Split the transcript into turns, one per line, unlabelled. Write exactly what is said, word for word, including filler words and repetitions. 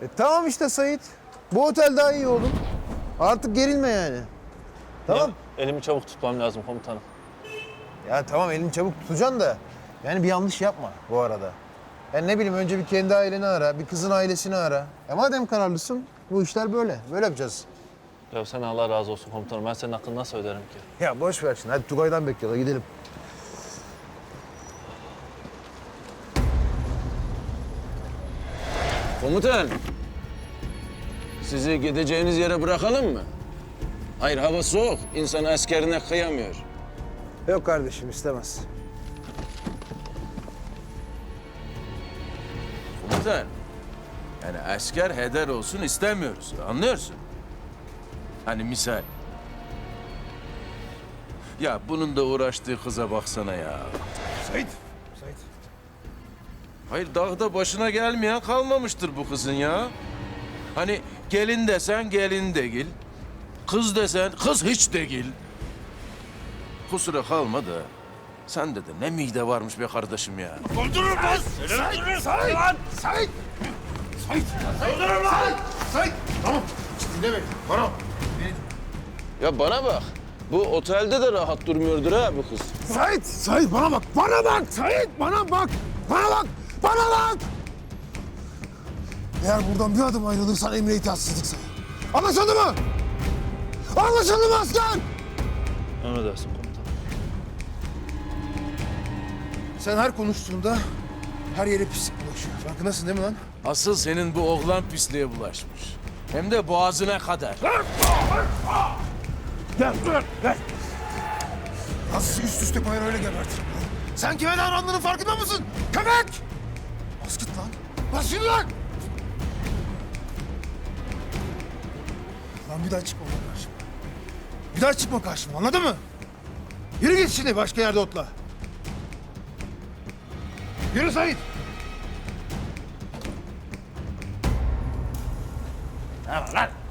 E, tamam işte Sait. Bu otel daha iyi oğlum. Artık gerilme yani. Tamam.
Ya, elimi çabuk tutmam lazım komutanım.
Ya tamam elini çabuk tutacaksın da yani bir yanlış yapma bu arada. Yani ne bileyim önce bir kendi aileni ara, bir kızın ailesini ara. E madem kararlısın bu işler böyle. Böyle yapacağız.
Ya sen Allah razı olsun komutanım. Ben senin hakkını nasıl öderim ki?
Ya boş ver şimdi. Hadi Tugay'dan bekliyorlar. Gidelim.
Komutan, sizi gideceğiniz yere bırakalım mı? Hayır, hava soğuk. İnsan askerine kıyamıyor.
Yok kardeşim istemez.
Komutan, yani asker heder olsun istemiyoruz. Anlıyorsun? Hani misal. Ya bunun da uğraştığı kıza baksana ya.
Sait. Sait.
Hayır, dağda başına gelmeyen kalmamıştır bu kızın ya. Hani gelin desen gelin değil. Kız desen kız hiç değil. Kusura kalma da sende de ne mide varmış be kardeşim ya.
Öldürürüm lan! Sait! Sait! Sait! Sait! Sait! Öldürürüm lan! Sait! Tamam. Dinle beni. Bana.
Ya bana bak. Bu otelde de rahat durmuyordur ha bu kız.
Sait! Sait bana bak! Bana bak! Sait bana bak! Bana bak! Bana bak! Eğer buradan bir adım ayrılırsan emre itaatsizlik sayar. Anlaşıldı mı? Anlaşıldı mı asker?
Emredersin komutanım.
Sen her konuştuğunda her yere pislik bulaşıyor. Farkındasın değil mi lan?
Asıl senin bu oğlan pisliğe bulaşmış. Hem de boğazına kadar.
Gel, dur, gel. Nasıl üst üste koyar öyle gebertirim lan. Sen kime davrandığının farkında mısın? Köpek! Bas git lan. Bas yürü lan! Lan bir daha çıkma lan karşıma. Bir daha çıkma karşıma, anladın mı? Yürü git şimdi başka yerde otla. Yürü Sait. Ne var lan?